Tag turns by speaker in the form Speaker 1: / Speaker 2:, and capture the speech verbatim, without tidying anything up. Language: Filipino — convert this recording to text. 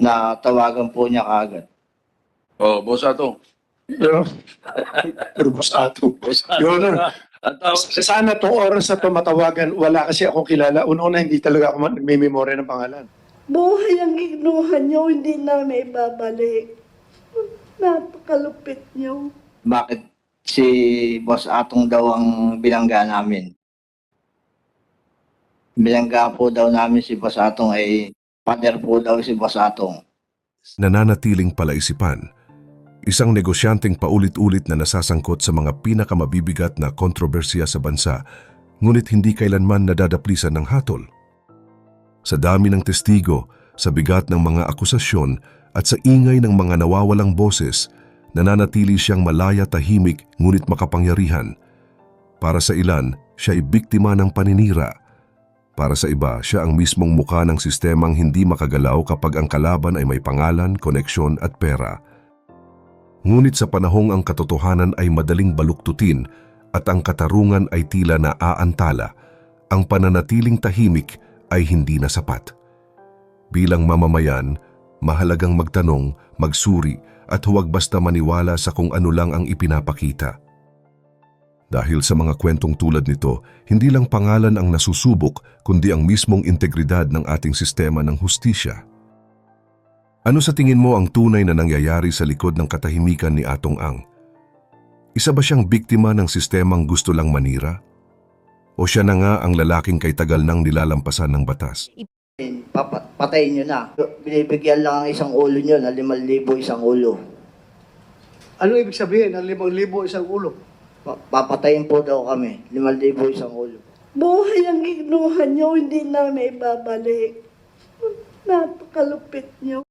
Speaker 1: na tawagan po niya kaagad.
Speaker 2: Oh, Boss Ato.
Speaker 3: Pero, pero boss ato. Your Honor,
Speaker 2: Ang tawag-
Speaker 3: sana tong oras na to matawagan, wala kasi akong kilala. Una-una, hindi talaga ako nagme-memorya ng pangalan.
Speaker 4: Buhay ang ignuhan niyo, hindi namin ibabalik. Napakalupit niyo.
Speaker 1: Bakit si Boss Atong daw ang bilangga namin? Bilangga po daw namin si Boss Atong ay pader po daw si Boss Atong.
Speaker 5: Nananatiling palaisipan. Isang negosyanteng paulit-ulit na nasasangkot sa mga pinakamabibigat na kontrobersiya sa bansa, ngunit hindi kailanman nadadaplisan ng hatol. Sa dami ng testigo, sa bigat ng mga akusasyon at sa ingay ng mga nawawalang boses, nananatili siyang malaya tahimik ngunit makapangyarihan. Para sa ilan, siya ay biktima ng paninira. Para sa iba, siya ang mismong muka ng sistemang hindi makagalaw kapag ang kalaban ay may pangalan, koneksyon at pera. Ngunit sa panahong ang katotohanan ay madaling baluktutin at ang katarungan ay tila naaantala, ang pananatiling tahimik ay hindi na sapat. Bilang mamamayan, mahalagang magtanong, magsuri at huwag basta maniwala sa kung ano lang ang ipinapakita. Dahil sa mga kwentong tulad nito, hindi lang pangalan ang nasusubok kundi ang mismong integridad ng ating sistema ng hustisya. Ano sa tingin mo ang tunay na nangyayari sa likod ng katahimikan ni Atong Ang? Isa ba siyang biktima ng sistemang gusto lang manira? O siya na nga ang lalaking kay tagal nang nilalampasan ng batas?
Speaker 1: Papa, patayin nyo na. Binibigyan lang ang isang ulo nyo na limang libo isang ulo.
Speaker 6: Ano ibig sabihin ng limang libo isang ulo?
Speaker 1: Pa- Papatayin po daw kami. Limang libo isang ulo.
Speaker 4: Buhay ang ignuhan niyo, hindi namin ibabalik. Napakalupit niyo.